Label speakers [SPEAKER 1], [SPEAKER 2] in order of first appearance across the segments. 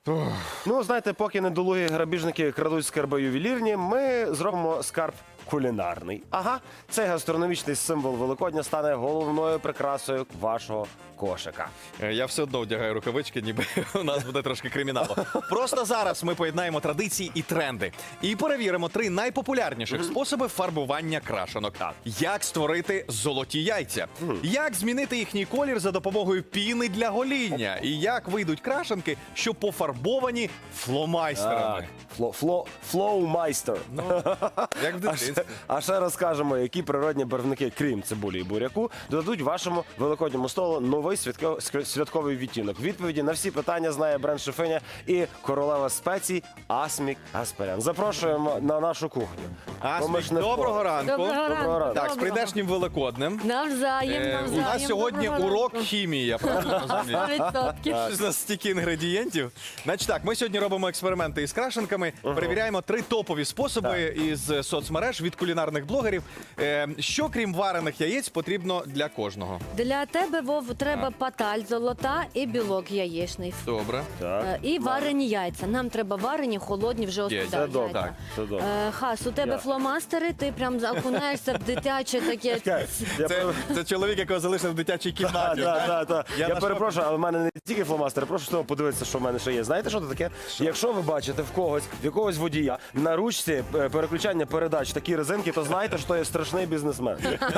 [SPEAKER 1] Ну, знаєте, поки недолугі грабіжники крадуть скарби ювелірні, ми зробимо скарб кулінарний. Ага, цей гастрономічний символ Великодня стане головною прикрасою вашого кошика.
[SPEAKER 2] Я все одно вдягаю рукавички, ніби у нас буде трошки криміналу. Просто зараз ми поєднаємо традиції і тренди. І перевіримо 3 найпопулярніших способи фарбування крашенок. Як створити золоті яйця, як змінити їхній колір за допомогою піни для гоління, і як вийдуть крашенки, що пофарбовані фломайстерами.
[SPEAKER 1] Флоумайстер.
[SPEAKER 2] Як в дитинстві.
[SPEAKER 1] А ще розкажемо, які природні барвники, крім цибулі і буряку, додадуть вашому великодньому столу новий святковий відтінок. Відповіді на всі питання знає бренд-шефиня і королева спецій Асмік Гаспарян. Запрошуємо на нашу кухню.
[SPEAKER 2] Асмік, доброго ранку.
[SPEAKER 1] Доброго ранку.
[SPEAKER 2] Так, з прийдешнім Великоднем.
[SPEAKER 3] Навзаєм.
[SPEAKER 2] У нас сьогодні урок хімії, я правильно розумію?
[SPEAKER 3] 100%.
[SPEAKER 2] Щось у нас стільки інгредієнтів. Значить так, ми сьогодні робимо експерименти із крашенками, перевіряємо 3 топові способи із соцмереж від кулінарних блогерів. Що, крім варених яєць, потрібно для кожного?
[SPEAKER 3] Для тебе, Вов, треба паталь золота і білок яєчний.
[SPEAKER 2] Добре.
[SPEAKER 1] Так.
[SPEAKER 3] І варені яйця. Нам треба варені, холодні, вже
[SPEAKER 2] Є,
[SPEAKER 3] остуда
[SPEAKER 1] це добре.
[SPEAKER 3] яйця.
[SPEAKER 1] Це добре.
[SPEAKER 3] Хас, у тебе
[SPEAKER 1] Я.
[SPEAKER 3] фломастери, ти прям окунаєшся в дитяче таке.
[SPEAKER 2] Це чоловік, якого залишив в дитячій кімнаті.
[SPEAKER 1] Я перепрошую, але в мене не тільки фломастери, прошу що подивитися, що в мене ще є. Знаєте, що це таке? Якщо ви бачите в якогось водія на ручці переключання передач такі резинки, то знайте, що є страшний бізнесмен.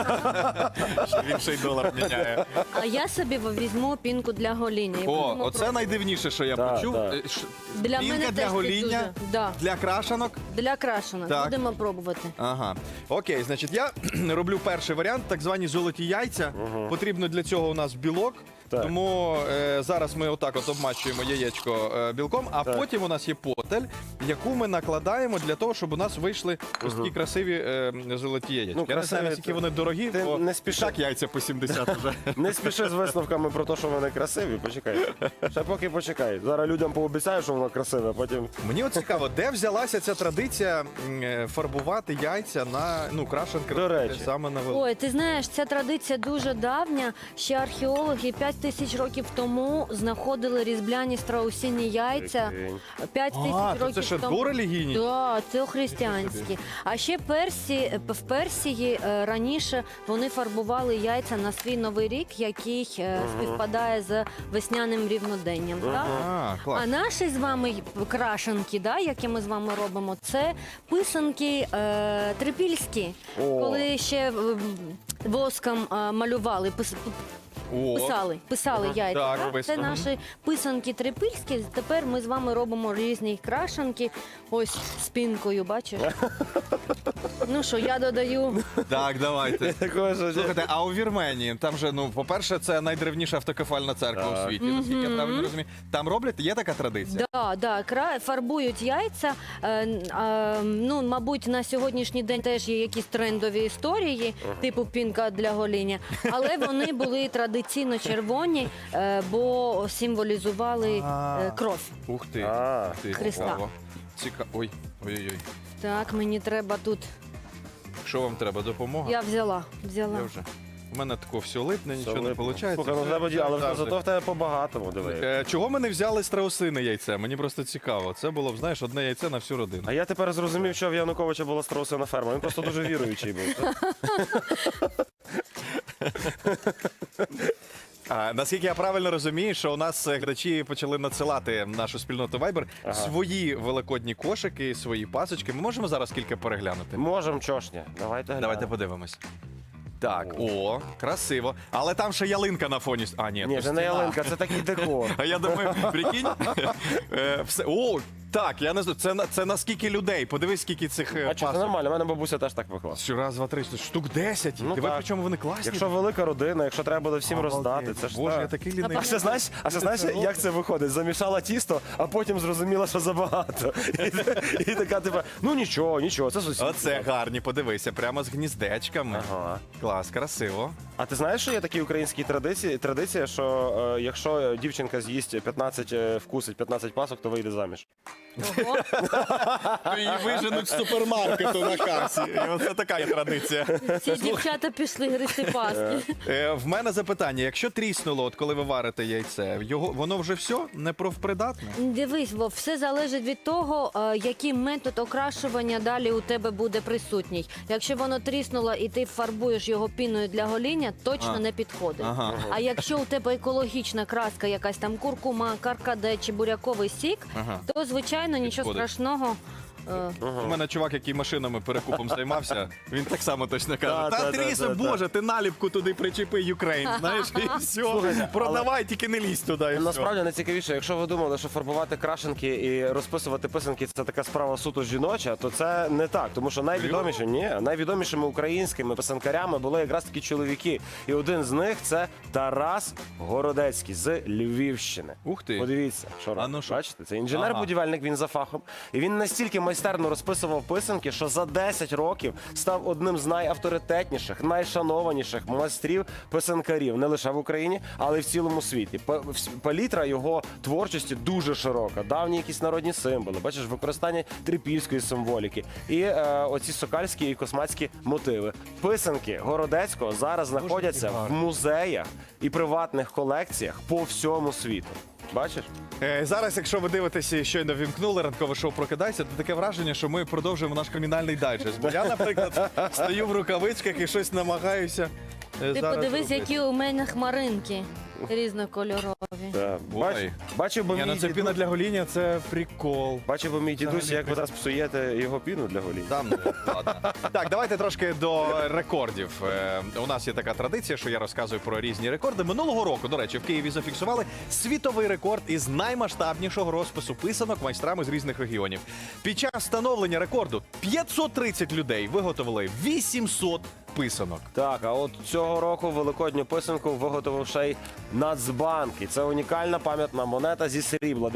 [SPEAKER 2] Він ще й долар міняє.
[SPEAKER 3] А я собі візьму пінку для гоління. і
[SPEAKER 2] О,
[SPEAKER 3] будемо
[SPEAKER 2] оце
[SPEAKER 3] пробувати.
[SPEAKER 2] найдивніше, що я
[SPEAKER 1] Так,
[SPEAKER 2] почув.
[SPEAKER 1] так.
[SPEAKER 3] Для
[SPEAKER 2] Пінка
[SPEAKER 3] мене
[SPEAKER 2] для
[SPEAKER 3] теж
[SPEAKER 2] гоління,
[SPEAKER 3] дуже. Да.
[SPEAKER 2] для крашенок.
[SPEAKER 3] Для крашенок.
[SPEAKER 2] Так.
[SPEAKER 3] Будемо пробувати.
[SPEAKER 2] Ага. Окей, значить, я роблю перший варіант, так звані золоті яйця. Потрібно для цього у нас білок.
[SPEAKER 1] Так.
[SPEAKER 2] Тому зараз ми отак от обмачуємо яєчко білком, а потім у нас є потель, яку ми накладаємо для того, щоб у нас вийшли ось такі красиві золоті яєчки.
[SPEAKER 1] Ну,
[SPEAKER 2] Я не знаю,
[SPEAKER 1] красиві,
[SPEAKER 2] наскільки
[SPEAKER 1] це-
[SPEAKER 2] вони дорогі,
[SPEAKER 1] Ти
[SPEAKER 2] бо
[SPEAKER 1] не спіши.
[SPEAKER 2] так яйця по 70 вже.
[SPEAKER 1] Не спіши з висновками про те, що вони красиві. Почекай. Ще поки почекай. Зараз людям пообіцяю, що воно красиве, а потім.
[SPEAKER 2] Мені от цікаво, де взялася ця традиція фарбувати яйця на крашенки
[SPEAKER 1] До речі.
[SPEAKER 2] саме на велику.
[SPEAKER 3] Ой, ти знаєш, ця традиція дуже давня. Ще археологи 5000 років тому знаходили різбляні страусині яйця. 5000
[SPEAKER 2] то
[SPEAKER 3] років
[SPEAKER 2] це ще
[SPEAKER 3] тому.
[SPEAKER 2] дорелігійні?
[SPEAKER 3] Так, це християнські. А ще в Персії раніше вони фарбували яйця на свій новий рік, який співпадає з весняним рівноденням. Так?
[SPEAKER 2] Клас.
[SPEAKER 3] А наші з вами крашенки, да, які ми з вами робимо, це писанки трипільські,
[SPEAKER 1] О.
[SPEAKER 3] коли ще воском малювали, писали яйця.
[SPEAKER 2] Так,
[SPEAKER 3] Так? Це
[SPEAKER 2] писано.
[SPEAKER 3] наші писанки трипільські. Тепер ми з вами робимо різні крашенки. Ось спінкою, бачиш? Ну що, я додаю.
[SPEAKER 2] Так, давайте.
[SPEAKER 1] Такого, що-
[SPEAKER 2] Слухайте, а у Вірменії, там же, по-перше, це найдревніша автокефальна церква у світі, наскільки я правильно розумію. Там роблять, є така традиція?
[SPEAKER 3] Фарбують яйця. Ну, мабуть, на сьогоднішній день теж є якісь трендові історії, типу пінка для гоління. Але вони були традиційно червоні, бо символізували кров.
[SPEAKER 2] Ух ти.
[SPEAKER 1] А.
[SPEAKER 2] Ух ти,
[SPEAKER 3] Христа.
[SPEAKER 2] цікаво. Ой, ой-ой-ой.
[SPEAKER 3] Так, мені треба тут.
[SPEAKER 2] Що вам треба, допомога?
[SPEAKER 3] Я взяла.
[SPEAKER 2] Я вже. У мене тако все липне, нічого не виходить.
[SPEAKER 1] Слухай, ну треба, але зато в тебе по-багатому, диви.
[SPEAKER 2] Чого ми не взяли страусине яйце? Мені просто цікаво. Це було б, знаєш, одне яйце на всю родину.
[SPEAKER 1] А я тепер зрозумів, що в Януковича була страусина ферма. Він просто дуже віруючий був.
[SPEAKER 2] Наскільки я правильно розумію, що у нас глядачі почали надсилати в нашу спільноту Viber свої великодні кошики, свої пасочки. Ми можемо зараз кілька переглянути?
[SPEAKER 1] Можем, чошня. Давайте
[SPEAKER 2] Давайте подивимось. Так, о, красиво. Але там ще ялинка на фоні. А, ні,
[SPEAKER 1] Ні,
[SPEAKER 2] то
[SPEAKER 1] це не
[SPEAKER 2] стіна.
[SPEAKER 1] ялинка, це такий декор.
[SPEAKER 2] А я думаю, прикинь. О, так, я не знаю, це на скільки людей? Подивись, скільки цих
[SPEAKER 1] А що, це
[SPEAKER 2] пасок.
[SPEAKER 1] нормально, в мене бабуся теж так пекла.
[SPEAKER 2] Що раз, два, три, штук 10.
[SPEAKER 1] Ну,
[SPEAKER 2] Диви,
[SPEAKER 1] так.
[SPEAKER 2] причому вони класні.
[SPEAKER 1] Якщо велика родина, якщо треба буде всім роздати, це ж
[SPEAKER 2] Боже,
[SPEAKER 1] так.
[SPEAKER 2] я такий лінивий.
[SPEAKER 1] А ще знаєш, як це виходить? Замішала тісто, а потім зрозуміла, що забагато. І така, типа, ну нічого, це сусід.
[SPEAKER 2] Оце гарні, подивися, прямо з гніздечками.
[SPEAKER 1] Ага.
[SPEAKER 2] Клас, красиво.
[SPEAKER 1] А ти знаєш, що є такі українські традиція, що якщо дівчинка з'їсть 15, вкусить 15 пасок, то вийде заміж?
[SPEAKER 3] Ого.
[SPEAKER 2] Її виженуть з супермаркету на касі. І оце така є традиція.
[SPEAKER 3] Ці дівчата пішли гристи паски.
[SPEAKER 2] В мене запитання, якщо тріснуло, от коли ви варите яйце, воно вже все не профпридатне?
[SPEAKER 3] Дивись, Вов, все залежить від того, який метод окрашування далі у тебе буде присутній. Якщо воно тріснуло і ти фарбуєш його піною для гоління, точно не підходить.
[SPEAKER 2] Ага.
[SPEAKER 3] А якщо у тебе екологічна краска, якась там куркума, каркаде чи буряковий сік,
[SPEAKER 2] Ага.
[SPEAKER 3] то, звичайно, нічого
[SPEAKER 2] Підходить.
[SPEAKER 3] страшного.
[SPEAKER 2] У мене чувак, який машинами перекупом займався, він так само точно каже:
[SPEAKER 1] Та,
[SPEAKER 2] та Тріса,
[SPEAKER 1] та.
[SPEAKER 2] Боже, ти наліпку туди причепи Юкрейн, знаєш, і все,
[SPEAKER 1] Слухайте,
[SPEAKER 2] продавай, тільки не лізь туди, і все.
[SPEAKER 1] Насправді найцікавіше, якщо ви думали, що фарбувати крашенки і розписувати писанки це така справа суто жіноча, то це не так. Тому що найвідомішими українськими писанкарями були якраз такі чоловіки. І один з них це Тарас Городецький з Львівщини.
[SPEAKER 2] Ух ти.
[SPEAKER 1] Подивіться, що робить.
[SPEAKER 2] ну що?
[SPEAKER 1] Бачите, це інженер-будівельник, він за фахом. І він настільки майстерно розписував писанки, що за 10 років став одним з найавторитетніших, найшанованіших майстрів писанкарів не лише в Україні, але й в цілому світі. Палітра його творчості дуже широка. Давні якісь народні символи, бачиш, використання трипільської символіки і оці сокальські і космацькі мотиви. Писанки Городецького зараз знаходяться в музеях і приватних колекціях по всьому світу. Бачиш?
[SPEAKER 2] Зараз, якщо ви дивитеся, щойно вімкнули ранкове шоу «Прокидайся», то таке враження, що ми продовжуємо наш кримінальний дайджест. Бо я, наприклад, стою в рукавичках і щось намагаюся
[SPEAKER 3] Ти
[SPEAKER 2] зараз
[SPEAKER 3] подивись,
[SPEAKER 2] робити.
[SPEAKER 3] які у мене хмаринки різнокольорові.
[SPEAKER 1] Так.
[SPEAKER 2] Ой.
[SPEAKER 1] Бачив би
[SPEAKER 2] Ні, ну
[SPEAKER 1] мій
[SPEAKER 2] це піна
[SPEAKER 1] дідусь,
[SPEAKER 2] для гоління, це прикол.
[SPEAKER 1] бачив би мій дідусь,
[SPEAKER 2] Взагалі
[SPEAKER 1] як ви зараз псуєте його піну для гоління.
[SPEAKER 2] Там, ну, ладно. Так, давайте трошки до рекордів. У нас є така традиція, що я розказую про різні рекорди. Минулого року, до речі, в Києві зафіксували світовий рекорд із наймасштабнішого розпису писанок майстрами з різних регіонів. Під час встановлення рекорду 530 людей виготовили 800 писанок.
[SPEAKER 1] Так, а от цього року великодню писанку виготовив ще й Нацбанк. І це унікальна пам'ятна монета зі срібла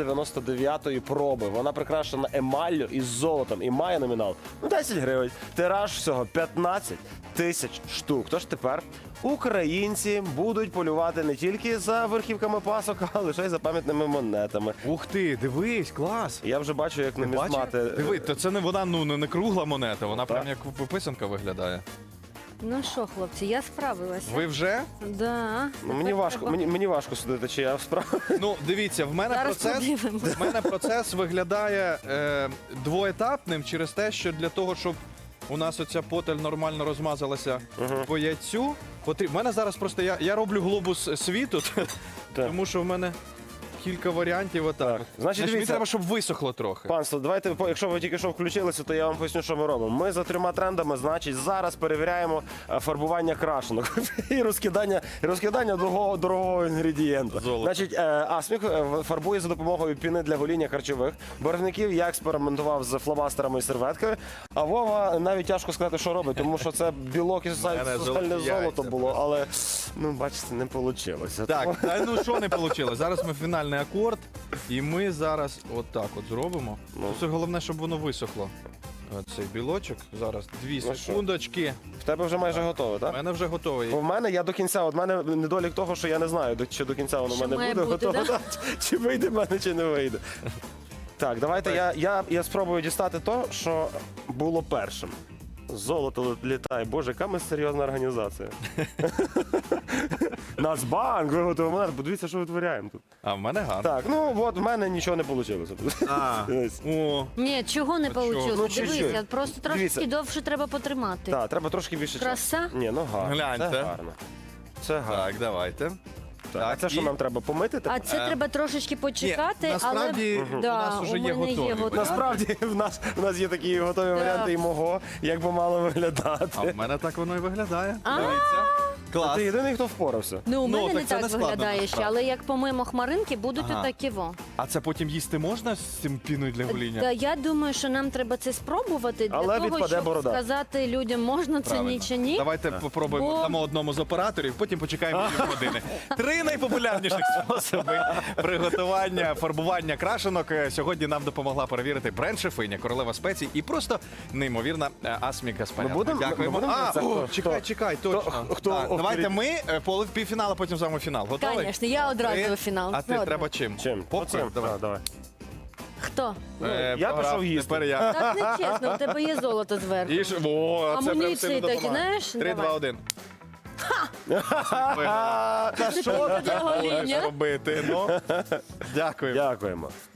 [SPEAKER 1] 999-ї проби. Вона прикрашена емаллю із золотом і має номінал 10 гривень. Тираж всього 15 тисяч штук. Тож тепер українці будуть полювати не тільки за верхівками пасок, а лише й за пам'ятними монетами.
[SPEAKER 2] Ух ти, дивись, клас!
[SPEAKER 1] Я вже бачу, як нумізмати.
[SPEAKER 2] Диви, то це не вона, ну не кругла монета, вона прям як писанка виглядає.
[SPEAKER 3] Ну що, хлопці, я справилася.
[SPEAKER 2] Ви вже?
[SPEAKER 3] Да.
[SPEAKER 1] Ну, мені важко, мені важко судити, чи я справді.
[SPEAKER 2] Ну, дивіться, в мене
[SPEAKER 3] Зараз
[SPEAKER 2] процес.
[SPEAKER 3] подивимось.
[SPEAKER 2] В мене процес виглядає двоетапним через те, що для того, щоб у нас оця потель нормально розмазалася по яйцю, потрібно. В мене зараз просто я роблю глобус світу, тому що в мене кілька варіантів. Отак.
[SPEAKER 1] Значить,
[SPEAKER 2] Мені
[SPEAKER 1] дивіться.
[SPEAKER 2] треба, щоб висохло трохи.
[SPEAKER 1] Панство, давайте, якщо ви тільки що включилися, то я вам поясню, що ми робимо. Ми за 3 трендами, значить, зараз перевіряємо фарбування крашенок і розкидання дорогого інгредієнта.
[SPEAKER 2] Золото.
[SPEAKER 1] Значить, Асмік фарбує за допомогою піни для гоління харчових барвників. Я експериментував з фломастерами і серветкою. А Вова навіть тяжко сказати, що робить, тому що це білок і сусальне
[SPEAKER 2] золоті
[SPEAKER 1] золото
[SPEAKER 2] яйця
[SPEAKER 1] було, але, ну, бачите, не вийшло.
[SPEAKER 2] Так, а ну що не вийшло? Зараз ми фінальний акорд, і ми зараз отак от зробимо. Це головне, щоб воно висохло. Цей білочок. Зараз 2 секундочки.
[SPEAKER 1] В тебе вже майже готове,
[SPEAKER 2] У
[SPEAKER 1] так?
[SPEAKER 2] мене вже готовий.
[SPEAKER 1] Бо в мене я до кінця, от в мене недолік того, що я не знаю, чи до кінця воно в
[SPEAKER 3] Що
[SPEAKER 1] мене
[SPEAKER 3] має
[SPEAKER 1] буде
[SPEAKER 3] бути,
[SPEAKER 1] готове,
[SPEAKER 3] да?
[SPEAKER 1] чи вийде в мене, чи не вийде. Так, давайте я спробую дістати то, що було першим. Золото літає. Боже, яка ми серйозна організація. Нацбанк виготовив монету. Подивіться, що витворяємо тут.
[SPEAKER 2] А в мене гарно.
[SPEAKER 1] Так, ну от в мене нічого не вийшло.
[SPEAKER 2] О,
[SPEAKER 3] Ні, чого не
[SPEAKER 2] чого?
[SPEAKER 3] вийшло?
[SPEAKER 1] Ну,
[SPEAKER 3] Дивися,
[SPEAKER 1] чуть-чуть.
[SPEAKER 3] просто трошки
[SPEAKER 1] Дивіться.
[SPEAKER 3] довше треба потримати.
[SPEAKER 1] Так, треба трошки більше часу.
[SPEAKER 3] Краса?
[SPEAKER 1] Ні, ну гарно.
[SPEAKER 2] Гляньте.
[SPEAKER 1] Це гарно. Це гарно.
[SPEAKER 2] так, давайте.
[SPEAKER 1] Так, а це що
[SPEAKER 2] і-
[SPEAKER 1] нам треба помити?
[SPEAKER 3] А це треба трошечки почекати,
[SPEAKER 2] Ні, насправді,
[SPEAKER 3] але
[SPEAKER 2] у нас уже
[SPEAKER 3] у
[SPEAKER 2] є
[SPEAKER 3] мене
[SPEAKER 2] готові.
[SPEAKER 3] готові.
[SPEAKER 1] Насправді в нас є такі готові варіанти і мого, як би мало
[SPEAKER 2] А
[SPEAKER 1] виглядати.
[SPEAKER 2] в мене так воно і виглядає.
[SPEAKER 3] А.
[SPEAKER 2] Дивіться. Клас.
[SPEAKER 1] Ти єдиний, хто впорався.
[SPEAKER 3] Ну, у
[SPEAKER 2] Ну,
[SPEAKER 3] мене не
[SPEAKER 2] так це
[SPEAKER 3] так
[SPEAKER 2] не складно,
[SPEAKER 3] виглядає ще,
[SPEAKER 2] насправді.
[SPEAKER 3] але як помимо хмаринки, будуть
[SPEAKER 2] Ага.
[SPEAKER 3] отакі во.
[SPEAKER 2] А це потім їсти можна з цим піною для гоління?
[SPEAKER 3] Та я думаю, що нам треба це спробувати для
[SPEAKER 1] Але
[SPEAKER 3] того,
[SPEAKER 1] відпаде
[SPEAKER 3] щоб
[SPEAKER 1] борода.
[SPEAKER 3] сказати людям, можна це
[SPEAKER 2] Правильно.
[SPEAKER 3] ні чи ні.
[SPEAKER 2] Давайте попробуємо
[SPEAKER 3] Бо-
[SPEAKER 2] дамо одному з операторів, потім почекаємо півгодини. 3 найпопулярніших способи приготування, фарбування крашенок. Сьогодні нам допомогла перевірити бренд-шефиня, королева спецій і просто неймовірна Асмі Гаспарян.
[SPEAKER 1] Ми будемо-
[SPEAKER 2] Дякуємо.
[SPEAKER 1] ми будемо
[SPEAKER 2] А,
[SPEAKER 1] це-
[SPEAKER 2] о,
[SPEAKER 1] хто-
[SPEAKER 2] чекай, точно.
[SPEAKER 1] хто
[SPEAKER 2] Так, Давайте ми півфінал, а потім з вами фінал. Готовий?
[SPEAKER 3] Звісно, я одразу
[SPEAKER 2] Три.
[SPEAKER 3] у фінал.
[SPEAKER 2] А ти
[SPEAKER 3] Згодна.
[SPEAKER 2] треба чим?
[SPEAKER 1] Чим?
[SPEAKER 2] Попкорн?
[SPEAKER 1] Оцим?
[SPEAKER 2] Давай.
[SPEAKER 1] Давай.
[SPEAKER 3] Хто?
[SPEAKER 1] Я
[SPEAKER 2] програв.
[SPEAKER 1] пішов їсти.
[SPEAKER 2] Тепер я.
[SPEAKER 3] Так не чесно, у тебе є золото зверху.
[SPEAKER 2] І о, це прям
[SPEAKER 3] Амуніції
[SPEAKER 2] сильно
[SPEAKER 3] такі,
[SPEAKER 2] допомагає.
[SPEAKER 3] знаєш?
[SPEAKER 2] 3, 2,
[SPEAKER 3] Давай.
[SPEAKER 2] 1.
[SPEAKER 1] Та що ти
[SPEAKER 3] Для
[SPEAKER 2] Будеш
[SPEAKER 3] гоління.
[SPEAKER 2] робити? Ну, дякую.
[SPEAKER 1] Дякуємо.